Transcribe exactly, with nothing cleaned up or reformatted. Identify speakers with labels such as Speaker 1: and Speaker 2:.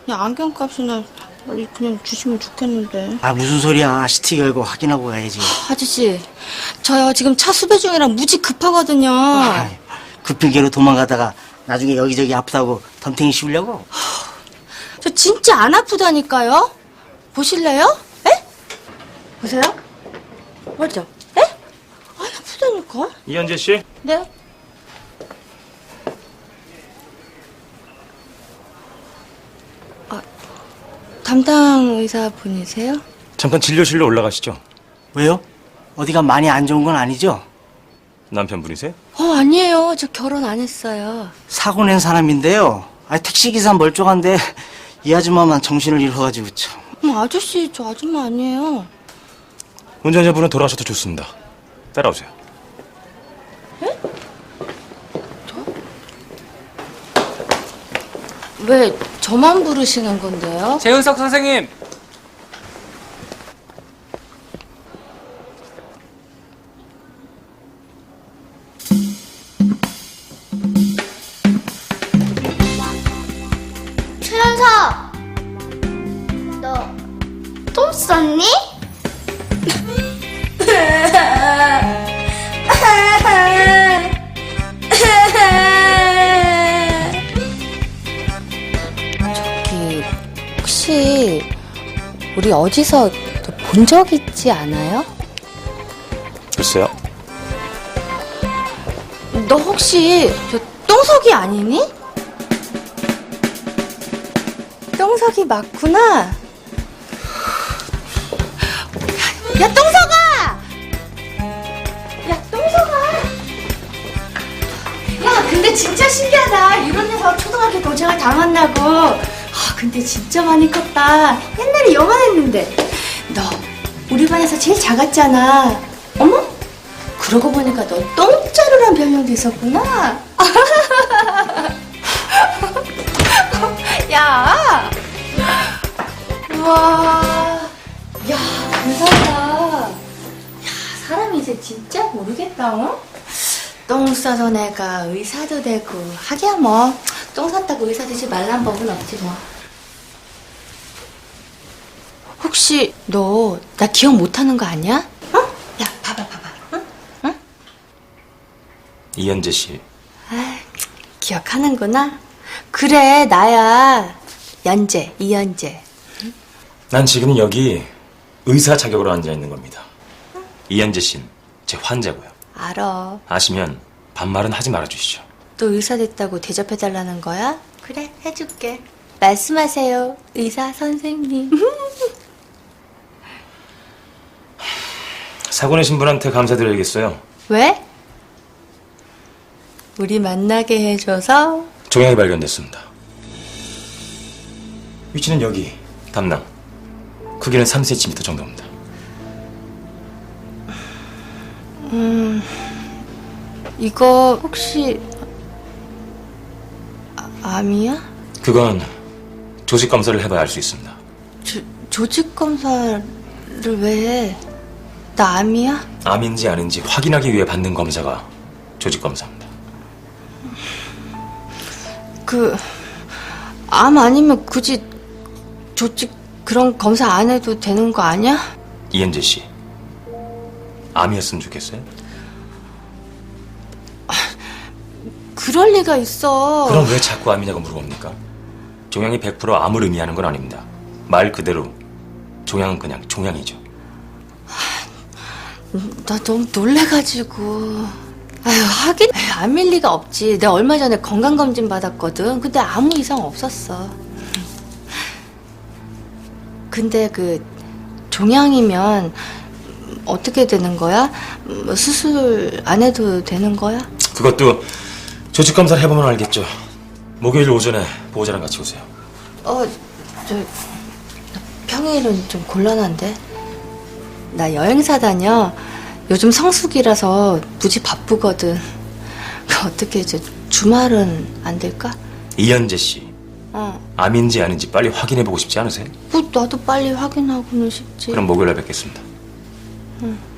Speaker 1: 그냥 안경값이나 빨리 그냥 주시면 좋겠는데.
Speaker 2: 아, 무슨 소리야. 시티 열고 확인하고 가야지.
Speaker 1: 아저씨, 저요 지금 차 수배 중이라 무지 급하거든요.
Speaker 2: 아, 급필계로 도망가다가 나중에 여기저기 아프다고 덤탱이 씌우려고?
Speaker 1: 저 진짜 안 아프다니까요. 보실래요? 에? 보세요? 맞죠? 에? 안 아프다니까.
Speaker 3: 이현재 씨?
Speaker 1: 네? 아, 담당 의사 분이세요?
Speaker 3: 잠깐 진료실로 올라가시죠.
Speaker 2: 왜요? 어디가 많이 안 좋은 건 아니죠?
Speaker 3: 남편분이세요?
Speaker 1: 어, 아니에요. 저 결혼 안 했어요.
Speaker 2: 사고 낸 사람인데요. 아, 택시기사 멀쩡한데 이 아줌마만 정신을 잃어가지고 참.
Speaker 1: 어, 아저씨, 저 아줌마 아니에요.
Speaker 3: 운전자분은 돌아가셔도 좋습니다. 따라오세요.
Speaker 1: 왜 저만 부르시는 건데요?
Speaker 4: 재은석 선생님!
Speaker 5: 최연석! 너 똥 쌌니?
Speaker 1: 저기 혹시 우리 어디서 본 적 있지 않아요?
Speaker 3: 글쎄요.
Speaker 1: 너 혹시 저 똥석이 아니니? 똥석이 맞구나. 야, 똥석아! 야, 똥석아! 야, 근데 진짜 신기하다. 이런 데서 초등학교 동창을 다 만나고. 아, 근데 진짜 많이 컸다. 옛날에 요만했는데. 너 우리 반에서 제일 작았잖아. 어머? 그러고 보니까 너 똥자루란 별명도 있었구나. 야! 우와. 야, 대단하다. 야, 사람이 이제 진짜 모르겠다, 어? 똥 싸던 애가 의사도 되고, 하기야 뭐, 똥 쌌다고 의사 되지 말란 법은 없지 뭐. 혹시 너 나 기억 못하는 거 아니야? 어? 야, 봐봐, 봐봐. 응? 응?
Speaker 3: 이현재 씨.
Speaker 1: 아, 기억하는구나. 그래, 나야. 연재, 이연재.
Speaker 3: 난 지금 여기 의사 자격으로 앉아 있는 겁니다. 이현재 씨는 제 환자고요.
Speaker 1: 알아.
Speaker 3: 아시면 반말은 하지 말아주시죠.
Speaker 1: 또 의사 됐다고 대접해달라는 거야? 그래, 해줄게. 말씀하세요, 의사 선생님.
Speaker 3: 사고 내신 분한테 감사드려야겠어요.
Speaker 1: 왜? 우리 만나게 해줘서?
Speaker 3: 종양이 발견됐습니다. 위치는 여기, 담낭. 크기는 삼 센티미터 정도입니다.
Speaker 1: 음, 이거 혹시 아, 암이야?
Speaker 3: 그건 조직 검사를 해봐야 알 수 있습니다.
Speaker 1: 조, 조직 검사를 왜 해? 나 암이야?
Speaker 3: 암인지 아닌지 확인하기 위해 받는 검사가 조직 검사입니다.
Speaker 1: 그, 암 아니면 굳이 조직 그런 검사 안 해도 되는 거 아니야?
Speaker 3: 이현재 씨, 암이었으면 좋겠어요?
Speaker 1: 그럴 리가 있어.
Speaker 3: 그럼 왜 자꾸 암이냐고 물어봅니까? 종양이 백 퍼센트 암을 의미하는 건 아닙니다. 말 그대로 종양은 그냥 종양이죠.
Speaker 1: 나 너무 놀래가지고. 아유, 하긴 에이, 암일 리가 없지. 내가 얼마 전에 건강검진 받았거든. 근데 아무 이상 없었어. 근데 그 종양이면 어떻게 되는 거야? 뭐 수술 안 해도 되는 거야?
Speaker 3: 그것도 조직 검사를 해보면 알겠죠. 목요일 오전에 보호자랑 같이 오세요.
Speaker 1: 어, 저 평일은 좀 곤란한데. 나 여행사 다녀. 요즘 성수기라서 무지 바쁘거든. 어떻게 이제 주말은 안 될까?
Speaker 3: 이현재 씨,
Speaker 1: 어.
Speaker 3: 암인지 아닌지 빨리 확인해보고 싶지 않으세요?
Speaker 1: 뭐 나도 빨리 확인하고는 싶지.
Speaker 3: 그럼 목요일에 뵙겠습니다.
Speaker 1: 응.